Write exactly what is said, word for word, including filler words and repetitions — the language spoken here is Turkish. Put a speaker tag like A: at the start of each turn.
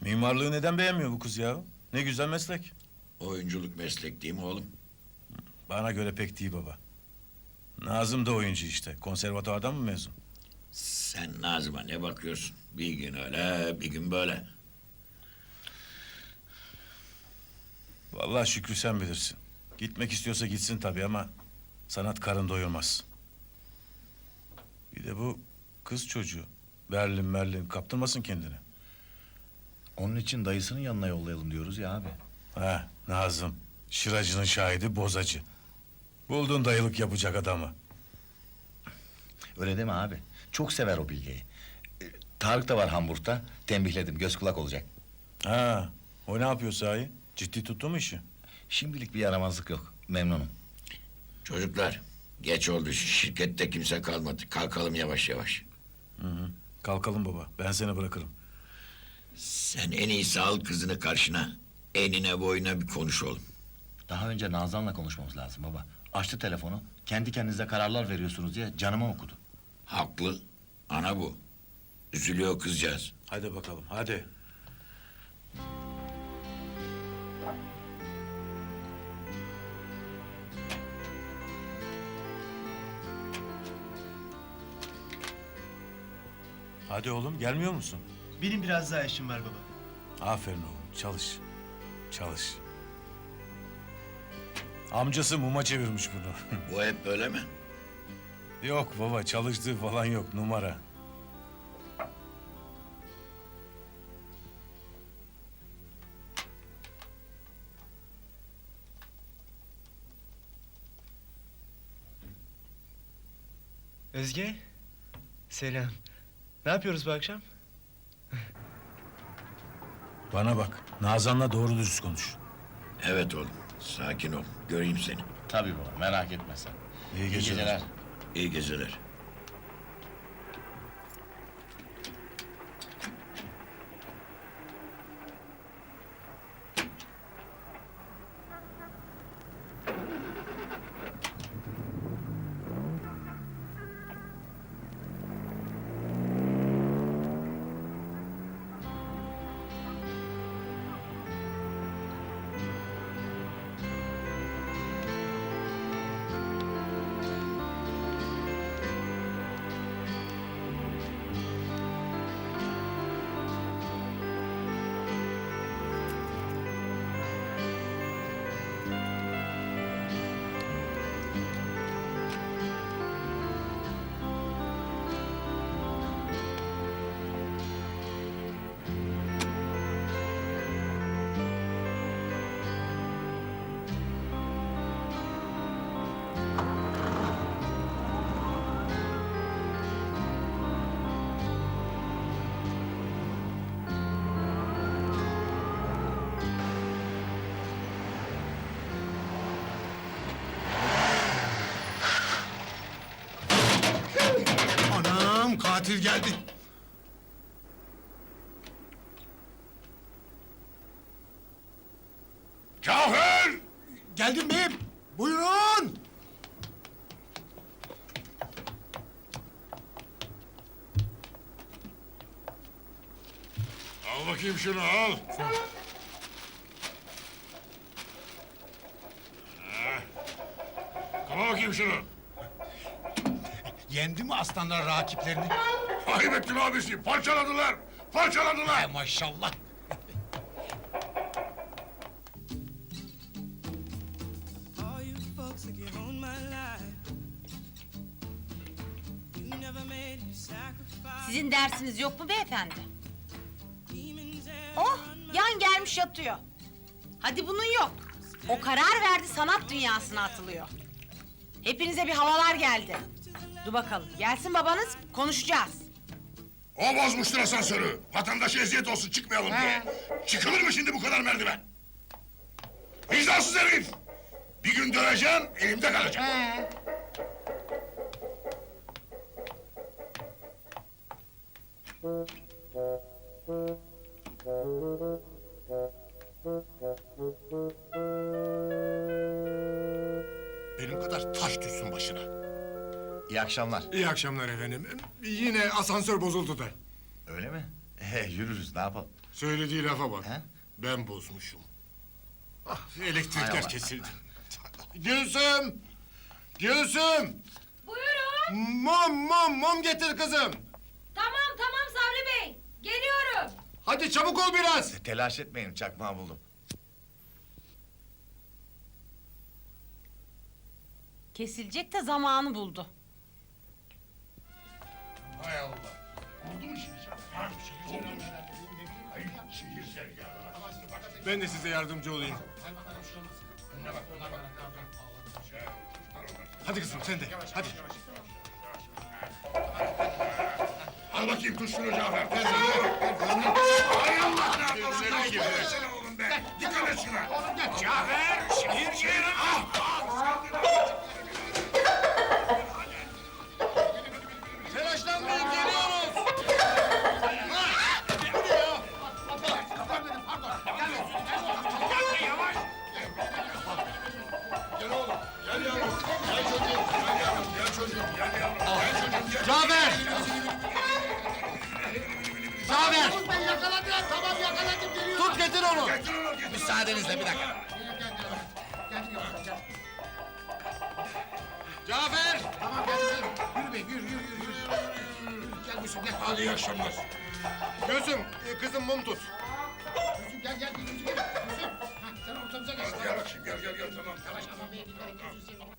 A: Mimarlığı neden beğenmiyor bu kız ya? Ne güzel meslek.
B: Oyunculuk meslek değil mi oğlum?
A: Bana göre pek değil baba. Nazım da oyuncu işte. Konservatuvardan mı mezun?
B: Sen Nazım'a ne bakıyorsun? Bir gün öyle, bir gün böyle.
A: Vallahi Şükrü sen bilirsin. Gitmek istiyorsa gitsin tabii ama sanat karın doyurmaz. Bir de bu kız çocuğu. Berlin Berlin kaptırmasın kendini.
C: Onun için dayısının yanına yollayalım diyoruz ya abi.
A: Ha Nazım. Şıracının şahidi bozacı. Buldun dayılık yapacak adamı.
C: Öyle deme abi. Çok sever o Bilge'yi. Ee, Tarık da var Hamburg'da. Tembihledim, göz kulak olacak.
A: Ha o ne yapıyor sahi? Ciddi tuttu mu işi?
C: Şimdilik bir yaramazlık yok. Memnunum.
B: Çocuklar, geç oldu. Şirkette kimse kalmadı. Kalkalım yavaş yavaş.
A: Hı hı. Kalkalım baba. Ben seni bırakırım.
B: Sen en iyisi al kızını karşına. Enine boyuna bir konuş oğlum.
C: Daha önce Nazan'la konuşmamız lazım baba. Açtı telefonu. Kendi kendinize kararlar veriyorsunuz diye canıma okudu.
B: Haklı. Ana bu. Üzülüyor kızcağız.
A: Hadi bakalım hadi. Hadi oğlum gelmiyor musun?
D: Benim biraz daha işim var baba.
A: Aferin oğlum çalış. Çalış. Amcası muma çevirmiş bunu.
B: Bu hep böyle mi?
A: Yok baba çalıştığı falan yok numara.
D: Özge. Selam. Ne yapıyoruz bu akşam?
A: Bana bak Nazan'la doğru dürüst konuş.
B: Evet oğlum. Sakin ol. Göreyim seni.
C: Tabii baba, merak etme sen.
A: İyi geceler.
B: İyi geceler.
E: Anam, katil geldi.
B: Cafer!
E: Geldim beyim. Buyurun.
B: Al bakayım şunu al. Kapa bakayım şunu.
E: Yendi mi aslanlar rakiplerini?
B: Ayıp ettin abisi. Parçaladılar. Parçaladılar.
E: Hay maşallah.
F: All you folks that get on my life, you never made me sacrifice.
G: Sizin dersiniz yok mu beyefendi?
F: Demons and
G: Oh, yan gelmiş yatıyor. Hadi bunun yok. O karar verdi, sanat dünyasına atılıyor. Hepinize bir havalar geldi. Dur bakalım, gelsin babanız, konuşacağız.
B: O bozmuştur asansörü. Vatandaşa eziyet olsun çıkmayalım diye. Çıkılır mı şimdi bu kadar merdiven? Vicdansız herif! Bir gün döveceksin, elimde kalacak.
E: Benim kadar taş düşsün başına.
C: İyi akşamlar.
E: İyi akşamlar efendim. Yine asansör bozuldu da.
C: Öyle mi? He, yürürüz, ne yapalım?
E: Söylediği lafa bak.
C: He?
E: Ben bozmuşum. Ah,
C: Hay
E: elektrikler
C: Allah.
E: kesildi. Gülsüm! Gülsüm!
H: Buyurun.
E: Mum, mum, mum getir kızım.
H: Tamam tamam Sabri Bey. Geliyorum.
E: Hadi çabuk ol biraz.
C: Telaş etmeyin, çakmağı buldum.
G: Kesilecek de zamanı buldu.
B: Hay Allah. Oldu mu şimdi sana? Ha? Oldu mu? Ay şehir ya.
E: Ben de size yardımcı olayım. Hadi kızım sen de, hadi.
B: Al bakayım tut şunu Cafer. Tez Hay Allah ne yapıyorsun? Ay koymasana oğlum be. Dikkat et şuna. Cafer şehir şehir. Ah ah.
E: Telaşlanmayın, geliyoruz.
B: Gel oğlum. Gel yavrum. Gel çocuğum. Gel yavrum. Gel çocuğum. Gel yavrum. Gel çocuğum. Gel.
E: Cafer! Cafer!
B: Ben yakaladım. Tamam yakaladım. Geliyor.
E: Tut getir onu.
B: Getir onu. Getir.
C: Müsaadenizle bir dakika.
E: Cafer!
B: Tamam gel. Yürü be yürü yürü yürü. yürü. Gel Gülsüm gel. Hadi iyi akşamlar.
E: Gülsüm, e, kızım mum tut.
B: Gülsüm gel gel Gülsüm gel. Gülsüm. Ha, sen ortamıza geç. Gel bakayım gel gel gel tamam. Yavaş aman beye dikkat et. Gözünü seveyim.